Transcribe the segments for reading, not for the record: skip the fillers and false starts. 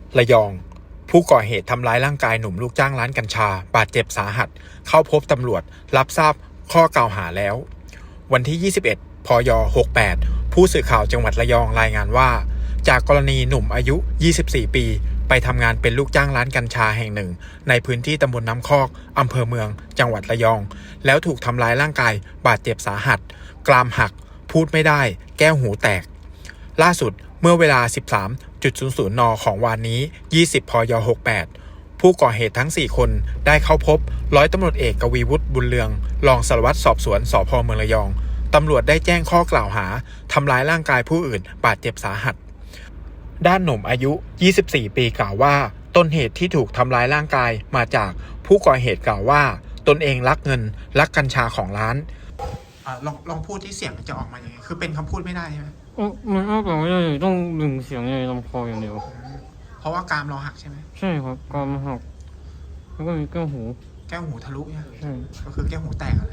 ระยองผู้ก่อเหตุทำร้ายร่างกายหนุ่มลูกจ้างร้านกัญชาบาดเจ็บสาหัสเข้าพบตำรวจรับทราบข้อกล่าวหาแล้ววันที่ 21 พย 68 ผู้สื่อข่าวจังหวัดระยองรายงานว่าจากกรณีหนุ่มอายุ 24 ปีไปทำงานเป็นลูกจ้างร้านกัญชาแห่งหนึ่งในพื้นที่ตำบลน้ำคอกอำเภอเมืองจังหวัดระยองแล้วถูกทำร้ายร่างกายบาดเจ็บสาหัสกรามหักพูดไม่ได้แก้วหูแตกล่าสุดเมื่อเวลา 13.00 น.ของวันนี้ 20 พย 68 ผู้ก่อเหตุทั้ง 4 คนได้เข้าพบร้อยตำรวจเอกกวีวุฒิบุญเรืองรองสารวัตรสอบสวนสภ.เมืองระยองตำรวจได้แจ้งข้อกล่าวหาทำร้ายร่างกายผู้อื่นบาดเจ็บสาหัสด้านหนุ่มอายุ 24 ปีกล่าวว่าต้นเหตุที่ถูกทำร้ายร่างกายมาจากผู้ก่อเหตุกล่าวว่าตนเองรักเงินรักกัญชาของร้านลองพูดที่เสียงจะออกมาอย่างไงคือเป็นคำพูดไม่ได้ใช่ไหมมันออกมาไม่ได้ต้องดึงเสียงในลำคออย่างเดียวเพราะว่ากรามเราหักใช่ไหมใช่ครับกรามหักแล้วก็มีแก้วหูทะลุเนี่ยใช่ก็คือแก้วหูแตกอะไร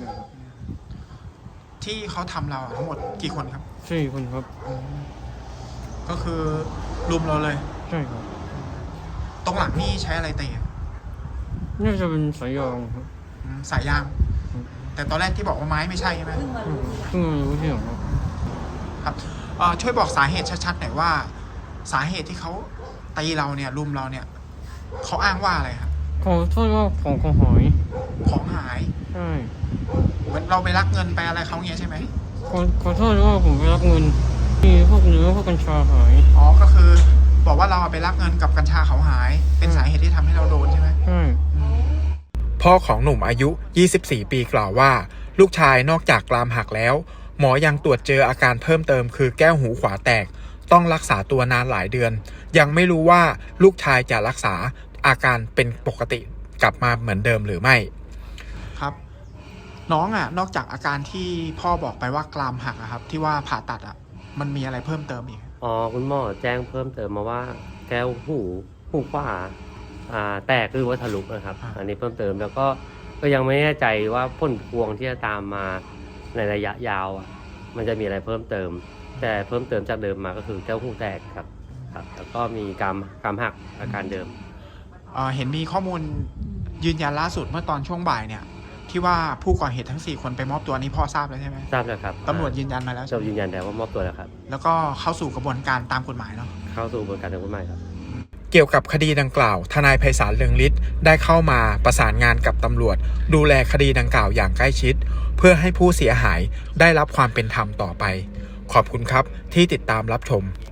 ที่เขาทำเราทั้งหมดกี่คนครับ 4 คนครับก็คือรุมเราเลยใช่ครับตรงหลังนี่ใช้อะไรตีน่าจะเป็นสายยางครับสายยางแต่ตอนแรกที่บอกว่าไม้ไม่ใช่ใช่ไหมเพิ่งรู้ที่หลังครับช่วยบอกสาเหตุชัดๆหน่อยว่าสาเหตุที่เขาตีเราเนี่ยรุมเราเนี่ยเขาอ้างว่าอะไรครับเขาโทษว่าของหายใช่เหมือนเราไปรักเงินไปอะไรเขาเงี้ยใช่ไหมขอโทษว่าผมไปรักเงินมีพวกเนื้อพวกกัญชาหายก็คือบอกว่าเราไปรักเงินกับกัญชาเขาหายเป็นสาเหตุที่ทำให้เราโดนใช่ไหมพ่อของหนุ่มอายุ 24 ปีกล่าวว่าลูกชายนอกจากกรามหักแล้วหมอยังตรวจเจออาการเพิ่มเติมคือแก้วหูขวาแตกต้องรักษาตัวนานหลายเดือนยังไม่รู้ว่าลูกชายจะรักษาอาการเป็นปกติกลับมาเหมือนเดิมหรือไม่ครับน้องนอกจากอาการที่พ่อบอกไปว่ากรามหักครับที่ว่าผ่าตัดมันมีอะไรเพิ่มเติมอีกคุณหมอแจ้งเพิ่มเติมมาว่าแก้วหูขวาแตกหรือว่าทะลุนะครับอันนี้เพิ่มเติมแล้วก็ยังไม่แน่ใจว่าผลพวงที่จะตามมาในระยะยาวมันจะมีอะไรเพิ่มเติมแต่เพิ่มเติมจากเดิมมาก็คือแก้วหูแตกครับแล้วก็มีกรามหักอาการเดิมเห็นมีข้อมูลยืนยันล่าสุดเมื่อตอนช่วงบ่ายเนี่ยที่ว่าผู้ก่อเหตุทั้ง4 คนไปมอบตัวนี้พ่อทราบแล้วใช่ไหมทราบแล้วครับตำรวจยืนยันมาแล้วยืนยันแล้วว่ามอบตัวแล้วครับแล้วก็เข้าสู่กระบวนการตามกฎหมายเนาะเข้าสู่กระบวนการตามกฎหมายครับเกี่ยวกับคดีดังกล่าวทนายไพศาลเรืองฤทธิ์ได้เข้ามาประสานงานกับตำรวจดูแลคดีดังกล่าวอย่างใกล้ชิดเพื่อให้ผู้เสียหายได้รับความเป็นธรรมต่อไปขอบคุณครับที่ติดตามรับชม